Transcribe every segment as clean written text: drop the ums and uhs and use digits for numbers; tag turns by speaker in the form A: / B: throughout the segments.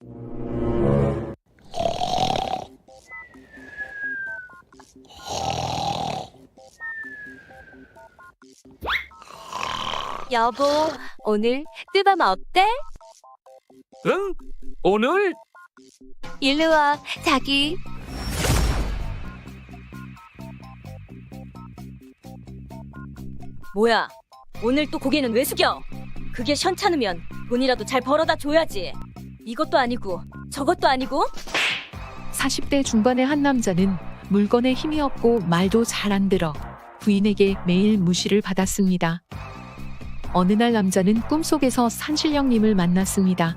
A: 여보, 오늘 뜨밤 어때?
B: 응? 오늘?
A: 일로 와, 자기.
C: 뭐야? 오늘 또 고개는 왜 숙여? 그게 현찮으면 돈이라도 잘 벌어다 줘야지. 이것도 아니고 저것도 아니고.
D: 40대 중반의 한 남자는 물건에 힘이 없고 말도 잘 안 들어 부인에게 매일 무시를 받았습니다. 어느 날 남자는 꿈속에서 산신령님을 만났습니다.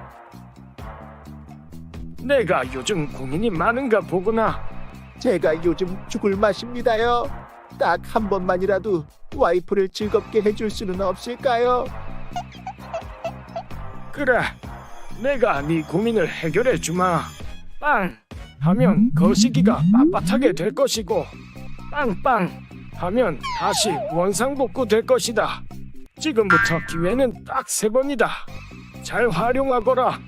B: 내가 요즘 고민이 많은가 보구나.
E: 제가 요즘 죽을 맛입니다요. 딱 한 번만이라도 와이프를 즐겁게 해줄 수는 없을까요?
B: 그래, 내가 네 고민을 해결해 주마. 빵 하면 거시기가 빳빳하게 될 것이고, 빵빵 하면 다시 원상복구 될 것이다. 지금부터 기회는 딱 3번이다. 잘 활용하거라.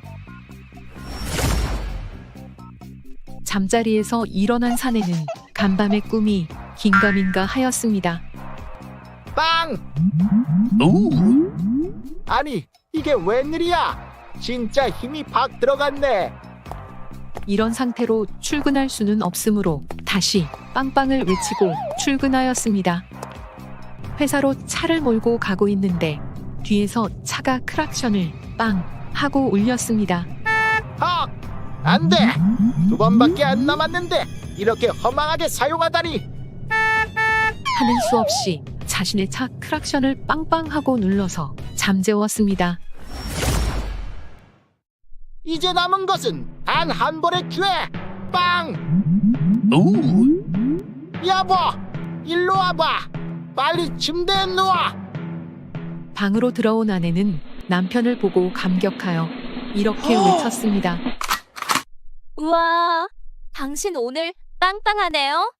D: 잠자리에서 일어난 사내는 간밤의 꿈이 긴가민가 하였습니다.
E: 빵! 아니, 이게 웬일이야? 진짜 힘이 팍 들어갔네.
D: 이런 상태로 출근할 수는 없으므로 다시 빵빵을 외치고 출근하였습니다. 회사로 차를 몰고 가고 있는데 뒤에서 차가 크락션을 빵 하고 울렸습니다.
E: 헉! 안 돼! 2번밖에 안 남았는데 이렇게 허망하게 사용하다니!
D: 하는 수 없이 자신의 차 크락션을 빵빵하고 눌러서 잠재웠습니다.
E: 이제 남은 것은 단 한 번의 기회! 빵! 여보! 일로 와봐! 빨리 침대에 누워!
D: 방으로 들어온 아내는 남편을 보고 감격하여 이렇게 외쳤습니다.
A: 우와, 당신 오늘 빵빵하네요.